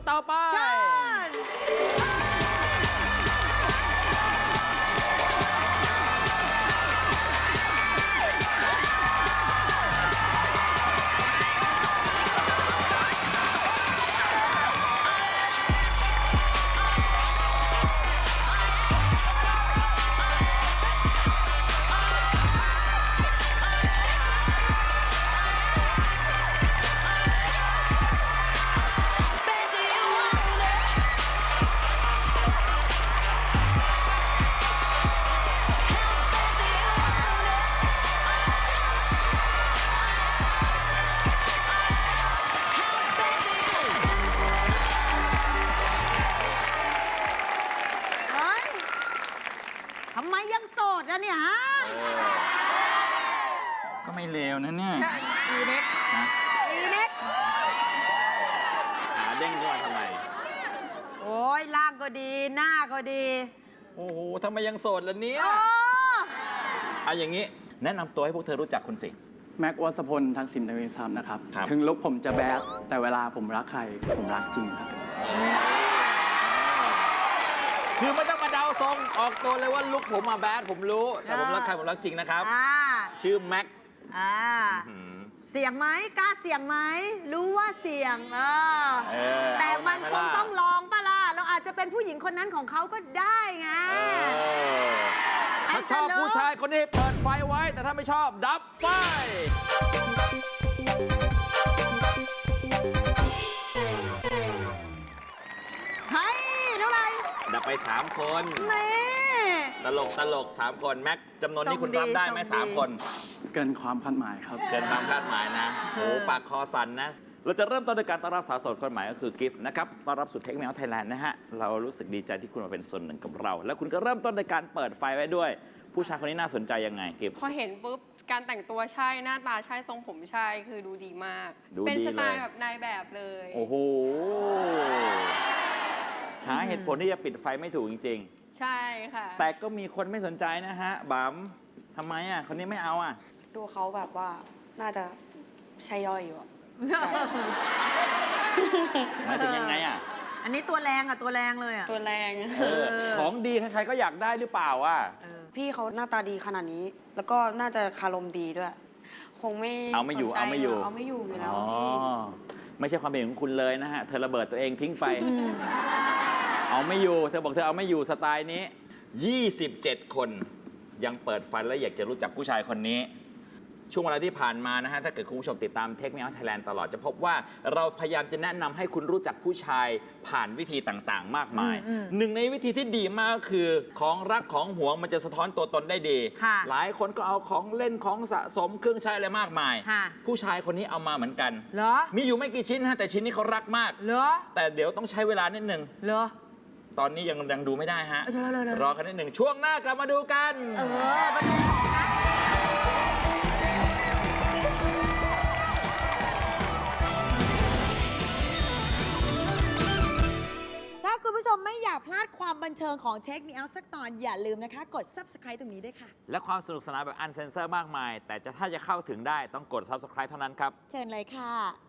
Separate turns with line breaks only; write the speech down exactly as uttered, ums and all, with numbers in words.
ต่อไป
ทำไมยังโสดอะเนี่ยฮะ
ก็ไม่เลวนะเนี่ย
อีเน็กอีเน็ก
ขาเด้งขึ้นมาทำไม
โอ้ยร่างก็ดีหน้าก็ดี
โอ้โหทำไมยังโสดล่ะเนี่ยเอาอย่างนี้แนะนำตัวให้พวกเธอรู้จักคุณสิ
แม็กวัสพลทักษิณทวีทรัพย์นะครับ
ครับ
ถึงลุกผมจะแบดแต่เวลาผมรักใครผมรักจริงครับ
คือไม่ต้องมาเดาทรงออกตัวเลยว่าลุกผมมาแบดผมรู้แต่ผมรักใครผมรักจริงนะครับชื่อแม็ก
เสี่ยงไหมกล้าเสี่ยงไหมรู้ว่าเสี่ยงเออแต่มันคงต้องลองปะล่ะเราอาจจะเป็นผู้หญิงคนนั้นของเขาก็ได้ไง
ถ้าชอบผู้ชายคนนี้เปิดไฟไว้แต่ถ้าไม่ชอบดับไฟ
เฮ้ยเท่าไหร่
ดับไปสามคนตลกตลกสามคนแม็กจำนวนนี้คุณรับได้ไหมสามคน
เกินความคาดหมายครับ
เกินความคาดหมายนะโอ้ปากคอสั่นนะเราจะเริ่มต้นด้วยการต้อนรับสาวโสดคนใหม่ก็คือกิฟต์นะครับต้อนรับสู่เทคเมลไทยแลนด์นะฮะเรารู้สึกดีใจที่คุณมาเป็นส่วนหนึ่งกับเราแล้วคุณก็เริ่มต้นด้วยการเปิดไฟไว้ด้วยผู้ชายคนนี้น่าสนใจยังไงกิฟต์
พอเห็นปุ๊บการแต่งตัวใช่หน้าตาใช่ทรงผมใช่คือดูดีมากเป็นสไตล์แบบนายแบบเลย
โอ้โหหาเหตุผลที่จะปิดไฟไม่ถูกจริง
ๆใช่ค่ะ
แต่ก็มีคนไม่สนใจนะฮะบัมทำไมอ่ะคนนี้ไม่เอาอ่ะ
ดูเขาแบบว่าน่าจะใช่ย่อยอยู่
หมายถึงยังไงอ่ะ
อันนี้ตัวแรงอ่ะตัวแรงเลยอ่ะ
ตัวแรง
ของดีใครๆก็อยากได้หรือเปล่าอ่ะ
พี่เขาหน้าตาดีขนาดนี้แล้วก็น่าจะคารมดีด้วยคงไม่
เอาไม่อยู่เอาไม่อยู่
เอาไม่อยู่อยู่แล้ว
ไม่ใช่ความเป็นของคุณเลยนะฮะเธอระเบิดตัวเองทิ้งไปเอาไม่อยู่เธอบอกเธอเอาไม่อยู่สไตล์นี้ยี่สิบเจ็ดคนยังเปิดฟันและอยากจะรู้จักผู้ชายคนนี้ช่วงเวลาที่ผ่านมานะฮะถ้าเกิดคุณผู้ชมติดตามเทคเมลไทยแลนด์ตลอดจะพบว่าเราพยายามจะแนะนำให้คุณรู้จักผู้ชายผ่านวิธีต่างๆมากมายหนึ่งในวิธีที่ดีมากก็คือของรักของหวงมันจะสะท้อนตัวตนได้ดีหลายคนก็เอาของเล่นของสะสมเครื่องใช้อะไรมากมายผู้ชายคนนี้เอามาเหมือนกัน
เหรอ
มีอยู่ไม่กี่ชิ้นนะแต่ชิ้นนี้เขารักมาก
เหรอ
แต่เดี๋ยวต้องใช้เวลานิดนึง
เหรอ
ตอนนี้ยังยังดูไม่ได้ฮะรอกันนิดหนึ่งช่วงหน้ากลับมาดูกัน
เออมาดูของนะถ้าคุณผู้ชมไม่อยากพลาดความบันเทิงของ Take Me Out สักตอนอย่าลืมนะคะกด Subscribe ตรงนี้ด้วยค่ะ
และความสนุกสนานแบบอันเซนเซอร์มากมายแต่จะถ้าจะเข้าถึงได้ต้องกด Subscribe เท่านั้นครับ
เชิญเลยค่ะ